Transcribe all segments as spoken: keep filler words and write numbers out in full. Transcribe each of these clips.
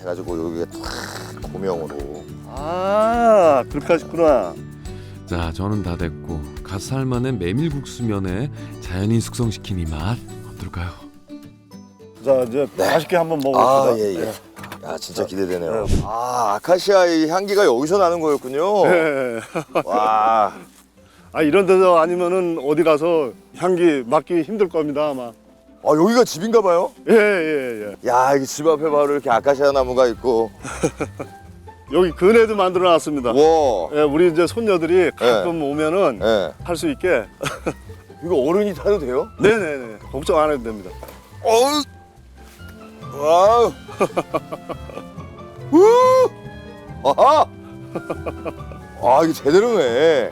해가지고 여기가 탁 고명으로. 아, 그렇게 하셨구나. 자, 저는 다 됐고 갓 삶아낸 메밀국수면에 자연인 숙성시킨 이 맛 어떨까요? 자, 이제 네. 맛있게 한번 먹어봅시다. 아, 예, 예. 야, 진짜 기대되네요. 아, 아카시아의 향기가 여기서 나는 거였군요. 네. 와. 아, 이런 데서 아니면은 어디 가서 향기 맡기 힘들 겁니다, 아마. 아, 여기가 집인가 봐요? 예, 예, 예. 야, 이 집 앞에 바로 이렇게 아카시아 나무가 있고. 여기 그네도 만들어 놨습니다. 와. 예, 우리 이제 손녀들이 가끔 오면은 예. 할 수 있게. 이거 어른이 타도 돼요? 네네네. 걱정 안 해도 됩니다. 어우. 와우. 우. 아하. 아, 이거 제대로네.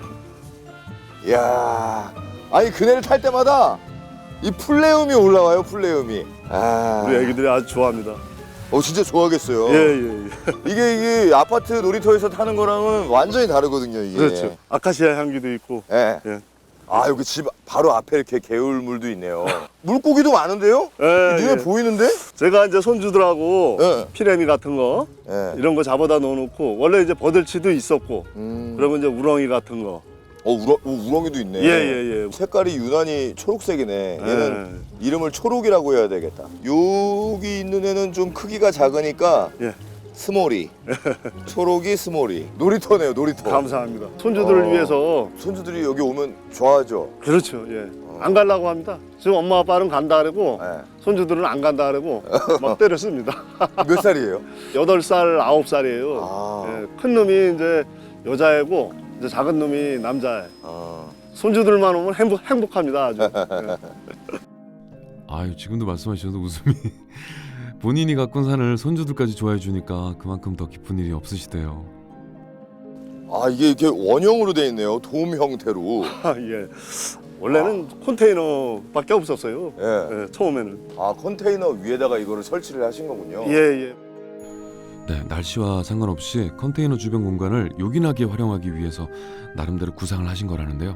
이야. 아니, 그네를 탈 때마다 이 플레음이 올라와요, 플레음이. 아. 우리 애기들이 아주 좋아합니다. 어, 진짜 좋아하겠어요. 예, 예, 예. 이게 이게 아파트 놀이터에서 타는 거랑은 완전히 다르거든요, 이게. 그렇죠. 아카시아 향기도 있고. 예. 예. 아, 여기 집 바로 앞에 이렇게 개울물도 있네요. 물고기도 많은데요? 예, 눈에 예. 보이는데? 제가 이제 손주들하고 예. 피레미 같은 거 예. 이런 거 잡아다 넣어놓고 원래 이제 버들치도 있었고 음. 그러면 이제 우렁이 같은 거. 어, 우렁, 어, 우렁이도 있네. 예, 예, 예. 색깔이 유난히 초록색이네. 얘는 예. 이름을 초록이라고 해야 되겠다. 여기 있는 애는 좀 크기가 작으니까 예. 스몰이. 초록이 스몰이. 놀이터네요, 놀이터. 감사합니다. 손주들을 어. 위해서. 손주들이 여기 오면 좋아하죠. 그렇죠. 예. 안 가려고 합니다. 지금 엄마 아빠는 간다 그러고 예. 손주들은 안 간다 그러고 막 때렸습니다. 몇 살이에요? 여덟 살, 아홉 살이에요. 아. 예. 큰 놈이 이제 여자애고 이제 작은 놈이 남자애. 어. 손주들만 오면 행복, 행복합니다. 아주. 예. 아유, 지금도 말씀하셔도 웃음이 본인이 가꾼 산을 손주들까지 좋아해 주니까 그만큼 더 기쁜 일이 없으시대요. 아, 이게 이렇게 원형으로 돼 있네요. 돔 형태로. 아, 예. 원래는 컨테이너밖에 없었어요. 예. 예, 처음에는. 아, 컨테이너 위에다가 이거를 설치를 하신 거군요. 예, 예. 네, 날씨와 상관없이 컨테이너 주변 공간을 요긴하게 활용하기 위해서 나름대로 구상을 하신 거라는데요.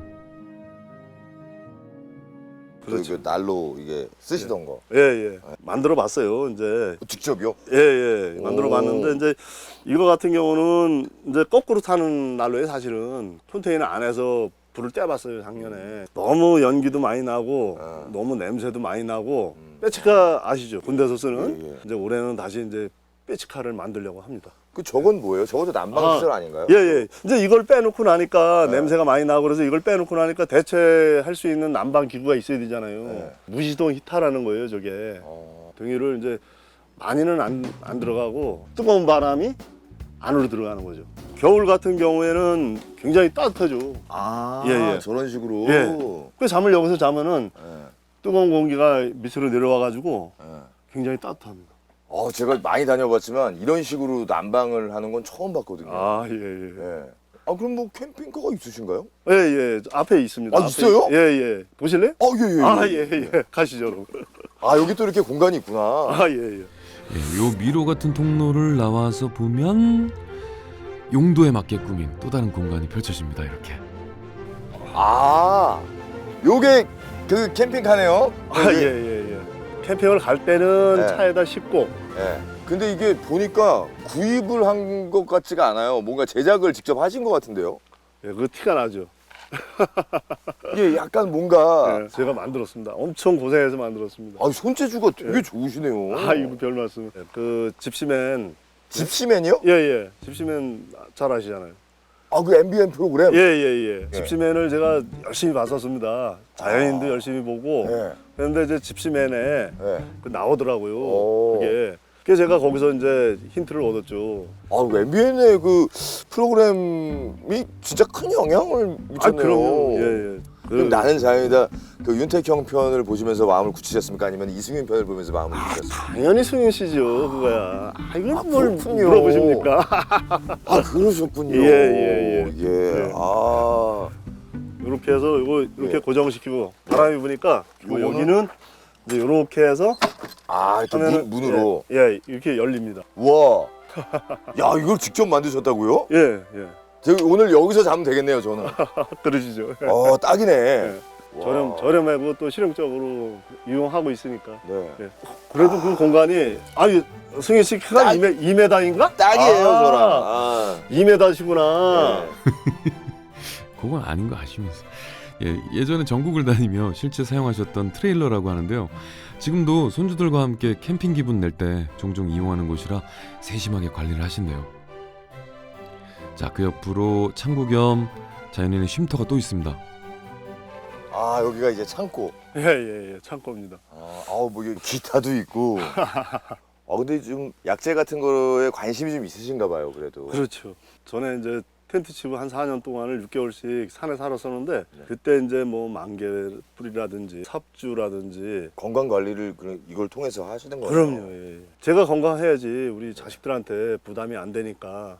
그렇죠. 그 난로 이게 쓰시던 거. 예, 예. 만들어 봤어요. 이제. 직접요? 예, 예. 만들어 오. 봤는데 이제 이거 같은 경우는 이제 거꾸로 타는 난로에 사실은 컨테이너 안에서 불을 떼봤어요, 작년에. 너무 연기도 많이 나고 아. 너무 냄새도 많이 나고 빼치카 아시죠? 군대에서 쓰는. 예, 예. 이제 올해는 다시 이제 빼치카를 만들려고 합니다. 그 저건 뭐예요? 저것도 난방 아. 시설 아닌가요? 예, 예. 이제 이걸 빼놓고 나니까 네. 냄새가 많이 나고 그래서 이걸 빼놓고 나니까 대체할 수 있는 난방 기구가 있어야 되잖아요. 네. 무시동 히타라는 거예요, 저게. 어. 등유를 이제 많이는 안, 안 들어가고 뜨거운 바람이 안으로 들어가는 거죠. 겨울 같은 경우에는 굉장히 따뜻하죠. 아, 예, 예. 저런 식으로. 예. 그 잠을 여기서 자면은 예, 뜨거운 공기가 밑으로 내려와가지고 예. 굉장히 따뜻합니다. 어, 제가 많이 다녀봤지만 이런 식으로 난방을 하는 건 처음 봤거든요. 아, 예, 예. 예. 아, 그럼 뭐 캠핑카가 있으신가요? 예, 예. 저 앞에 있습니다. 아, 앞에. 있어요? 예, 예. 보실래요? 아, 예, 예. 아, 예, 예. 가시죠, 여러분. 아, 여기 또 이렇게 공간이 있구나. 아, 예, 예. 예, 요 미로 같은 통로를 나와서 보면 용도에 맞게 꾸민 또 다른 공간이 펼쳐집니다. 이렇게. 아, 요게 그 캠핑카네요. 아, 예, 예, 예. 캠핑을 갈 때는 네. 차에다 싣고 예. 근데 이게 보니까 구입을 한 것 같지가 않아요. 뭔가 제작을 직접 하신 것 같은데요. 예, 그 티가 나죠. 이게 약간 뭔가 예, 제가 만들었습니다. 엄청 고생해서 만들었습니다. 아, 손재주가 되게 예. 좋으시네요. 아, 이거 별 말씀. 그 집시맨. 집시맨이요? 예, 예. 집시맨 잘 아시잖아요. 아, 그 엠비엔 프로그램? 예, 예, 예. 예. 집시맨을 제가 열심히 봤었습니다. 자연인도 아. 열심히 보고. 예. 그런데 이제 집시맨에 예. 그 나오더라고요. 오. 그게. 그래서 제가 거기서 이제 힌트를 얻었죠. 아, 그 엠비엔의 그 프로그램이 진짜 큰 영향을 미쳤네요. 아, 그럼요. 예, 예. 그럼 그- 나는 자연이다 그 윤택형 편을 보시면서 마음을 굳히셨습니까? 아니면 이승윤 편을 보면서 마음을 굳히셨습니까? 당연히 승윤 씨죠, 그거야. 아, 이걸 아, 뭘 그렇군요. 물어보십니까? 아, 그러셨군요. 예, 예, 예. 예. 예. 아. 이렇게 해서 이거 이렇게 예. 고정시키고 바람이 부니까 요 요거는? 여기는 이제 이렇게 해서 아, 이렇게 하면은 문, 문으로. 예, 예, 이렇게 열립니다. 와. 야, 이걸 직접 만드셨다고요? 예, 예. 제가 오늘 여기서 자면 되겠네요, 저는. 그러시죠. 어, 딱이네. 예. 저렴, 저렴하고 또 실용적으로 이용하고 있으니까. 네. 예. 그래도 그 공간이, 아니, 승희 씨 키가 딱- 이 미터인가? 딱이에요, 아, 저랑. 아. 이 미터시구나. 네. 그건 아닌 거 아시면서. 예, 예전에 전국을 다니며 실제 사용하셨던 트레일러라고 하는데요. 지금도 손주들과 함께 캠핑 기분 낼 때 종종 이용하는 곳이라 세심하게 관리를 하신대요. 자, 그 옆으로 창고 겸 자연인의 쉼터가 또 있습니다. 아, 여기가 이제 창고. 예, 예, 예. 창고입니다. 아, 아우, 뭐 이게 기타도 있고. 아, 근데 좀 약재 같은 거에 관심이 좀 있으신가 봐요, 그래도. 그렇죠. 전에 이제 텐트치고 한 사 년 동안을 육 개월씩 산에 살았었는데 네. 그때 이제 뭐 만개뿌리라든지 삽주라든지 건강 관리를 그- 이걸 통해서 하시는 거예요. 그럼요. 예. 제가 건강해야지 우리 자식들한테 부담이 안 되니까.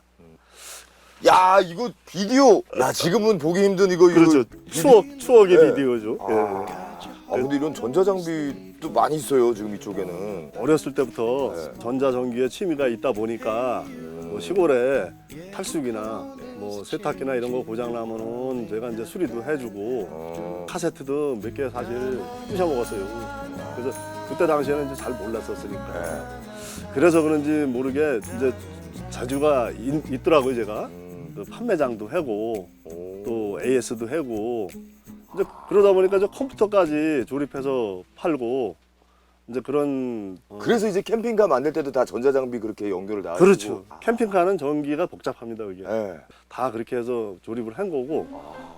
야, 이거 비디오. 야, 지금은 보기 힘든 이거 그렇죠. 이거 비디- 추억 추억의 네. 비디오죠. 아. 예. 아, 근데 이런 전자장비도 많이 있어요, 지금 이쪽에는. 어렸을 때부터 네. 전자전기에 취미가 있다 보니까 뭐 시골에 탈수기나 뭐 세탁기나 이런 거 고장 나면은 제가 이제 수리도 해주고 어. 카세트도 몇 개 사실 부셔 먹었어요. 그래서 그때 당시에는 이제 잘 몰랐었으니까. 네. 그래서 그런지 모르게 이제 자주가 있, 있더라고요, 제가. 음. 그 판매장도 하고 오. 또 에이에스도 하고 이제 그러다 보니까 이제 컴퓨터까지 조립해서 팔고 이제 그런 어, 그래서 이제 캠핑카 만들 때도 다 전자장비 그렇게 연결을 다 그렇죠. 하시고. 캠핑카는 전기가 복잡합니다, 그게. 네. 다 그렇게 해서 조립을 한 거고.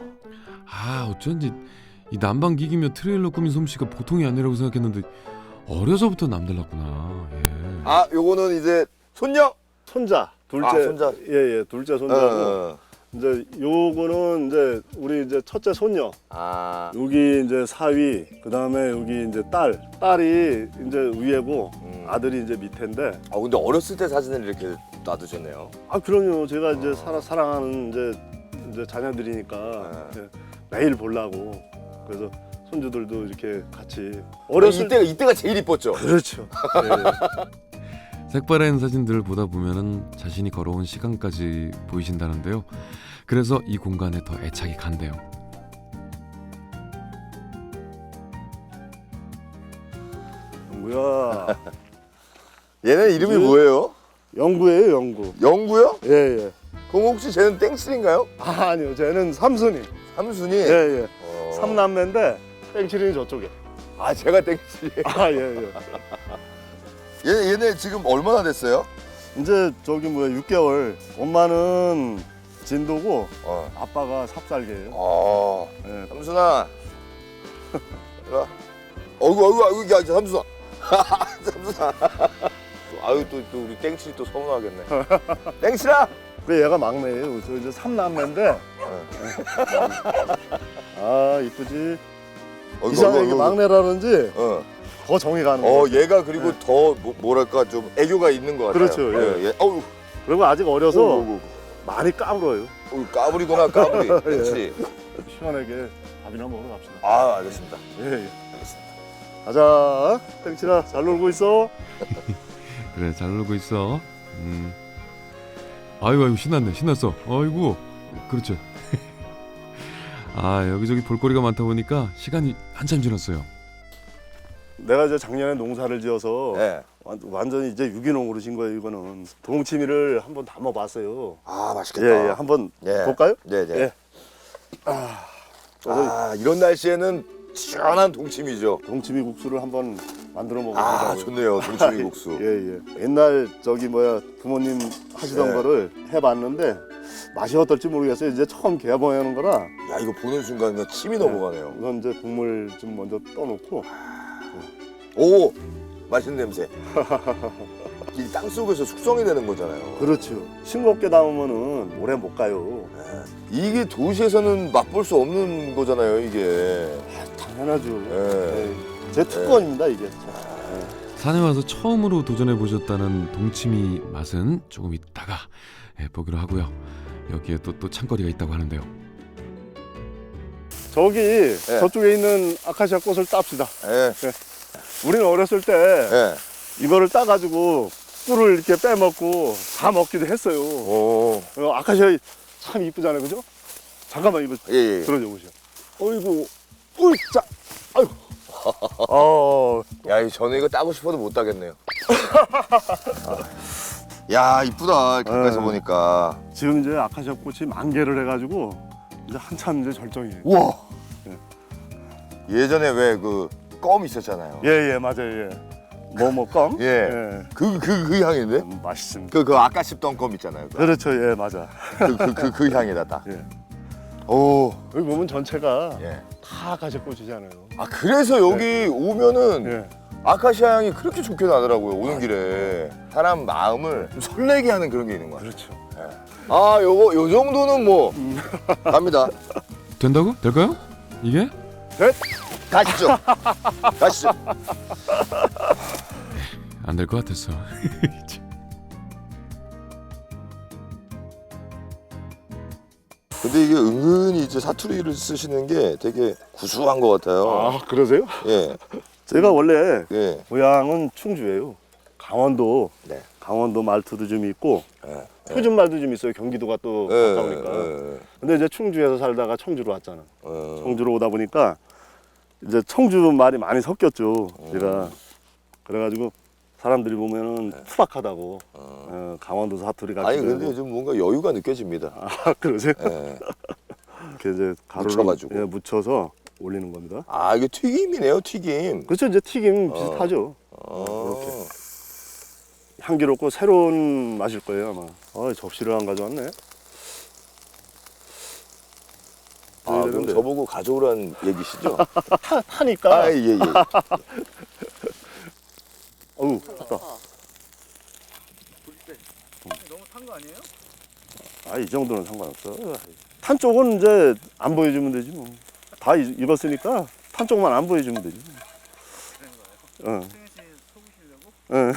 아, 어쩐지 이 난방 기기며 트레일러 꾸민 솜씨가 보통이 아니라고 생각했는데 어려서부터 남달랐구나. 예. 아, 요거는 이제 손녀? 손자, 둘째. 아, 손자. 예, 예, 둘째 손자고. 어. 이제 요거는 이제 우리 이제 첫째 손녀. 아. 여기 이제 사위, 그 다음에 여기 이제 딸. 딸이 이제 위에고 음. 아들이 이제 밑에인데. 아, 근데 어렸을 때 사진을 이렇게 놔두셨네요. 아, 그럼요. 제가 이제 살아, 사랑하는 이제, 이제 자녀들이니까 네. 예, 매일 보려고. 그래서 손주들도 이렇게 같이. 어렸을 어렸을 때 이때가 제일 이뻤죠. 그렇죠. 예. 색바랜 사진들을 보다 보면은 자신이 걸어온 시간까지 보이신다는데요. 그래서 이 공간에 더 애착이 간대요. 뭐야. 얘네 이름이 그치? 뭐예요? 영구예요, 영구. 영구요? 예, 예. 그럼 혹시 쟤는 땡칠인가요? 아, 아니요. 쟤는 삼순이. 삼순이? 예, 예. 어. 삼남매인데 땡칠이 저쪽에. 아, 제가 땡칠이. 아, 예, 예. 얘네, 얘네 지금 얼마나 됐어요? 이제 저기 뭐야 육 개월. 엄마는 진도고 어. 아빠가 삽살개예요. 어. 예. 삼순아. 이리 와. 어이구, 어이구, 어이구, 야, 삼순아. 삼순아. 아유, 또, 또 우리 땡칠이 또 서운하겠네. 땡칠아! 그 얘가 막내예요. 저 이제 삼남매인데. 아, 이쁘지. 어이구, 이상하게 어이구, 어이구. 막내라는지 어. 더 정이 가는 어, 거. 얘가 그리고 더 뭐, 뭐랄까 좀 애교가 있는 것 같아요. 그렇죠, 예. 예. 어우, 그리고 아직 어려서 어우, 많이 까불어요. 어우, 까불이구나, 까불이. 땡칠이. 시원하게 밥이나 먹으러 갑시다. 아, 알겠습니다. 예, 예. 알겠습니다. 가자. 땡칠아, 잘 놀고 있어. 그래, 잘 놀고 있어. 음. 아이고, 아이고, 신났네, 신났어. 아이고, 그렇죠. 아, 여기저기 볼거리가 많다 보니까 시간이 한참 지났어요. 내가 이제 작년에 농사를 지어서 네. 완- 완전히 이제 유기농으로 진 거예요. 이거는 동치미를 한번 담아봤어요. 아, 맛있겠다. 예, 예, 한번 예. 볼까요? 네, 네. 예. 아, 그래서 이런 날씨에는 시원한 동치미죠. 동치미 국수를 한번 만들어 아, 먹어보자고요. 좋네요. 동치미 국수. 예, 예. 옛날 저기 뭐야 부모님 하시던 네. 거를 해봤는데 맛이 어떨지 모르겠어요. 이제 처음 개봉하는 거라 야, 이거 보는 순간 그냥 침이 넘어가네요. 우선 이제 국물 좀 먼저 떠놓고 오, 맛있는 냄새. 이 땅 속에서 숙성이 되는 거잖아요. 그렇죠. 싱겁게 담으면은 오래 못 가요. 이게 도시에서는 맛볼 수 없는 거잖아요, 이게. 아, 당연하죠. 예. 예. 제 특권입니다 이게. 산에 와서 처음으로 도전해 보셨다는 동치미 맛은 조금 있다가 예, 보기로 하고요. 여기에 또 또 창거리가 있다고 하는데요. 저기 저쪽에 있는 아카시아 꽃을 땁시다. 예. 우리는 어렸을 때 예. 이거를 따가지고 꿀을 이렇게 빼먹고 다 먹기도 했어요. 오. 어, 아카시아 참 이쁘잖아요, 그죠? 잠깐만 이거 예, 예. 들어줘 보세요. 어이구, 으짜. 아유. 어. 야, 이 저는 이거 따고 싶어도 못 따겠네요. 야, 이쁘다. 가까이서 네. 보니까. 지금 이제 아카시아 꽃이 만개를 해가지고 이제 한참 이제 절정이에요. 우와. 네. 예전에 왜 그 껌 있었잖아요. 예예 맞아요 예. 뭐뭐 껌? 예. 그 그 그 향인데? 음, 맛있습니다. 그 그 아까 씹던 껌 있잖아요. 그 그렇죠 예 맞아. 그 그 그, 그 향이다 딱. 예. 오. 여기 보면 전체가 예. 다 아카시아 꽃이잖아요. 아, 그래서 여기 오면은 예. 아카시아 향이 그렇게 좋게 나더라고요. 오는 길에 사람 마음을 좀 설레게 하는 그런 게 있는 것 같아요. 그렇죠. 아, 요거 요 정도는 뭐 갑니다. 된다고? 될까요? 이게? 넷. 가시죠. 가시죠. 안 될 것 같았어. 근데 이게 은근히 이제 사투리를 쓰시는 게 되게 구수한 것 같아요. 아 그러세요? 예, 제가 원래 예. 고향은 충주예요. 강원도. 네. 강원도 말투도 좀 있고 예. 표준 말도 좀 있어요. 경기도가 또 예, 가까우니까. 예, 근데 이제 충주에서 살다가 청주로 왔잖아. 예. 청주로 오다 보니까 이제 청주 말이 많이 섞였죠. 제가 그래가지고 사람들이 보면은 투박하다고 어, 강원도 사투리 같은. 아니 근데 좀 뭔가 여유가 느껴집니다. 아 그러세요? 예. 이렇게 이제 가루를 묻혀가지고. 예, 묻혀서 올리는 겁니다. 아, 이게 튀김이네요, 튀김. 그렇죠. 이제 튀김 비슷하죠. 어. 이렇게. 향기롭고 새로운 맛일 거예요 아마. 아 접시를 안 가져왔네. 아, 그럼 되는데. 저보고 가져오란 얘기시죠? 타, 타니까. 아, 예, 예. 어우 탔다. 너무 탄 거 아니에요? 아 이 정도는 상관없어. 탄 쪽은 이제 안 보여주면 되지 뭐. 다 익- 익었으니까 탄 쪽만 안 보여주면 되지. 응. 승현 씨 속으시려고? 응.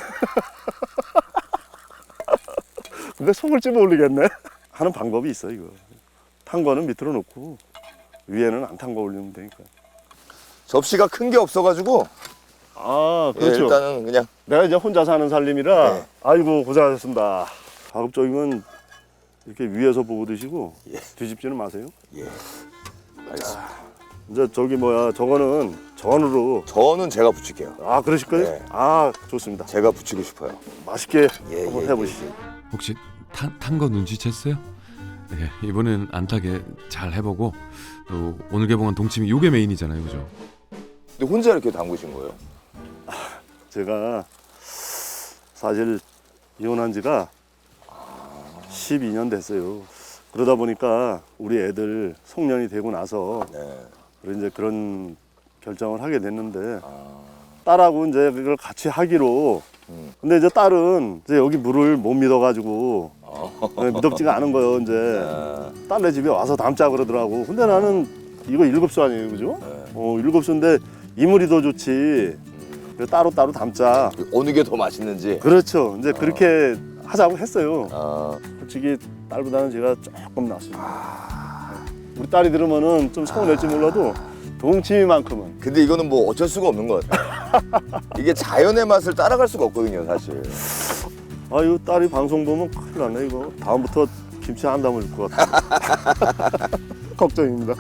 근데 속을 찝어 올리겠네. 하는 방법이 있어 이거. 탄 거는 밑으로 놓고 위에는 안 탄 거 올리면 되니까. 접시가 큰 게 없어가지고 아 예, 그렇죠. 일단은 그냥 내가 이제 혼자 사는 살림이라 네. 아이고 고생하셨습니다. 가급적이면 이렇게 위에서 보고 드시고 예. 뒤집지는 마세요. 예. 알겠습니다. 이제 저기 뭐야 저거는 전으로. 저는 제가 붙일게요. 아 그러실 거예요? 네. 아 좋습니다. 제가 붙이고 싶어요. 맛있게 예, 한번 예, 해보시죠. 혹시 탄 거 눈치챘어요? 네, 이번엔 안 타게 잘 해보고 또 오늘 개봉한 동치미 요게 메인이잖아요, 그죠? 근데 혼자 이렇게 담그신 거예요? 제가 사실 이혼한 지가 십이 년 됐어요. 그러다 보니까 우리 애들 송년이 되고 나서 네. 그런 이제 그런 결정을 하게 됐는데 아, 딸하고 이제 그걸 같이 하기로. 음. 근데 이제 딸은 이제 여기 물을 못 믿어가지고 네, 믿었지가 않은 거예요. 이제 아, 딸네 집에 와서 담자 그러더라고. 근데 나는 이거 일곱 수 아니에요, 그죠? 어 일곱 수인데 이물이 더 좋지. 그래서 따로 따로 담자. 그 어느 게 더 맛있는지. 그렇죠. 이제 그렇게 하자고 했어요. 아, 솔직히 딸보다는 제가 조금 낫습니다. 우리 딸이 들으면은 좀 서운할지 몰라도 동치미만큼은. 근데 이거는 뭐 어쩔 수가 없는 것 같아요. 이게 자연의 맛을 따라갈 수가 없거든요, 사실. 아유 딸이 방송 보면 큰일 났네 이거. 다음부터 김치 안 담을 것 같아. 걱정입니다.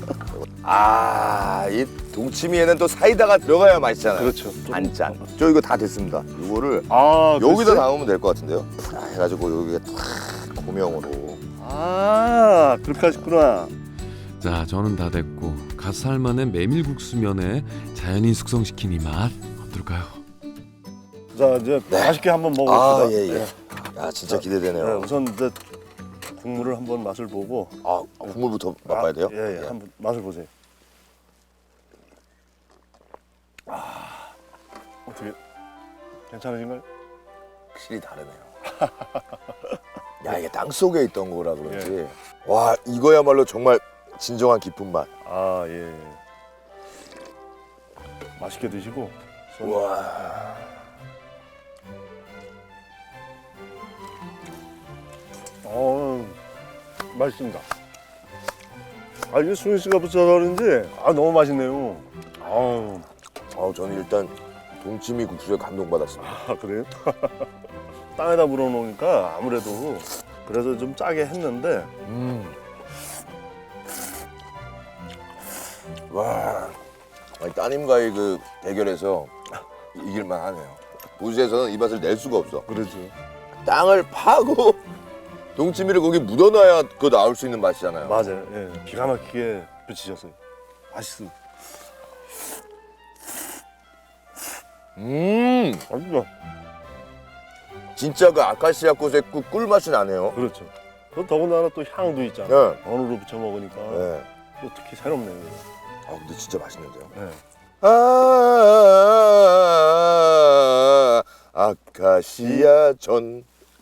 아, 이 동치미에는 또 사이다가 들어가야 맛있잖아요. 그렇죠. 한 잔. 저 이거 다 됐습니다. 이거를 아 여기다 글쎄? 담으면 될 것 같은데요. 푸라 해가지고 여기가 탁 고명으로. 아 그렇게 하셨구나. 자, 저는 다 됐고 갓살만의 메밀국수면에 자연인 숙성시킨 이 맛 어떨까요? 자 이제 맛있게 한번 아, 먹어봅시다. 예, 예. 네. 야, 진짜 네, 기대되네요. 우선 이제 국물을 한번 맛을 보고. 아, 국물부터 맛봐야 돼요? 아, 예, 예, 한번 맛을 보세요. 아, 어떻게 괜찮으신가요? 확실히 다르네요. 야, 이게 땅 속에 있던 거라 그런지. 와, 이거야말로 정말 진정한 깊은 맛. 아 예. 맛있게 드시고. 손- 와. 어, 맛있습니다. 아 이게 수민 씨가 붙여서 그런지 아 너무 맛있네요. 아우. 아, 저는 일단 동치미 국수에 감동받았습니다. 아 그래요? 땅에다 물어놓으니까 아무래도 그래서 좀 짜게 했는데 음. 와, 아니, 따님과의 그 대결에서 이길만 하네요. 도시에서는 이 맛을 낼 수가 없어. 그러죠. 땅을 파고 동치미를 거기 묻어놔야 그거 나올 수 있는 맛이잖아요. 맞아요. 예. 기가 막히게 붙이셨어요. 맛있어. 음, 맛있어. 진짜 그 아카시아 꽃의 그 꿀맛이 나네요. 그렇죠. 그 더군다나 또 향도 있잖아. 네. 어느로 부쳐 먹으니까 네. 또 특히 새롭네요. 아, 근데 진짜 맛있는데요. 네. 아, 아카시아 전.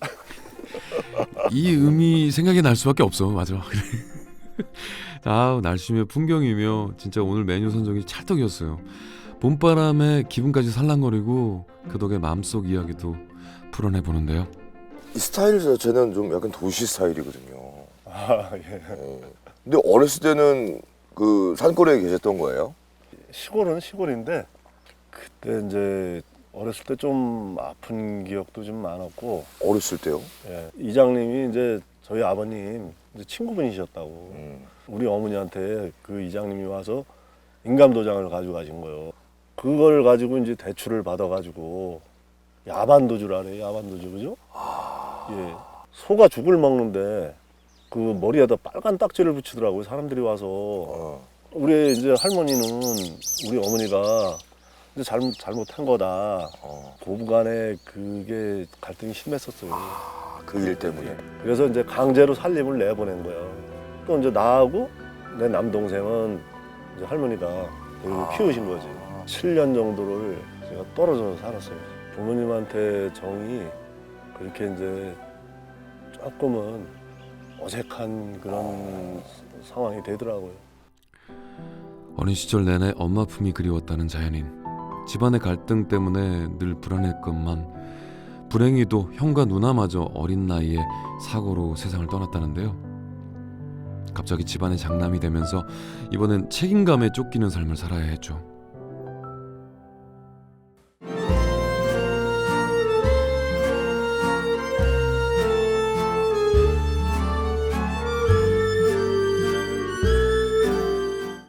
이 음이 생각이 날 수밖에 없어. 맞아. 그래. 아, 날씨며 풍경이며 진짜 오늘 메뉴 선정이 찰떡이었어요. 봄바람에 기분까지 살랑거리고 그 덕에 마음속 이야기도 풀어내보는데요. 이 스타일 자체는 좀 약간 도시 스타일이거든요. 아, 예. 어. 근데 어렸을 때는 그 산골에 계셨던 거예요? 시골은 시골인데 그때 이제 어렸을 때 좀 아픈 기억도 좀 많았고, 어렸을 때요? 예. 이장님이 이제 저희 아버님 이제 친구분이셨다고. 음. 우리 어머니한테 그 이장님이 와서 인감도장을 가지고 가신 거예요. 그걸 가지고 이제 대출을 받아가지고 야반도주를 하래. 야반도주, 그죠? 예. 소가 죽을 먹는데 그 머리에다 빨간 딱지를 붙이더라고요. 사람들이 와서. 어. 우리 이제 할머니는 우리 어머니가 이제 잘못 잘못한 거다. 어. 고부간에 그게 갈등이 심했었어요. 아, 그 일 때문에. 그래서 이제 강제로 살림을 내보낸 거예요. 또 이제 나하고 내 남동생은 이제 할머니가 데리고 키우신 거지. 칠 년 정도를 제가 떨어져서 살았어요. 부모님한테 정이 그렇게 이제 조금은 어색한 그런 상황이 되더라고요. 어린 시절 내내 엄마 품이 그리웠다는 자연인. 집안의 갈등 때문에 늘 불안했건만 불행히도 형과 누나마저 어린 나이에 사고로 세상을 떠났다는데요. 갑자기 집안의 장남이 되면서 이번엔 책임감에 쫓기는 삶을 살아야 했죠.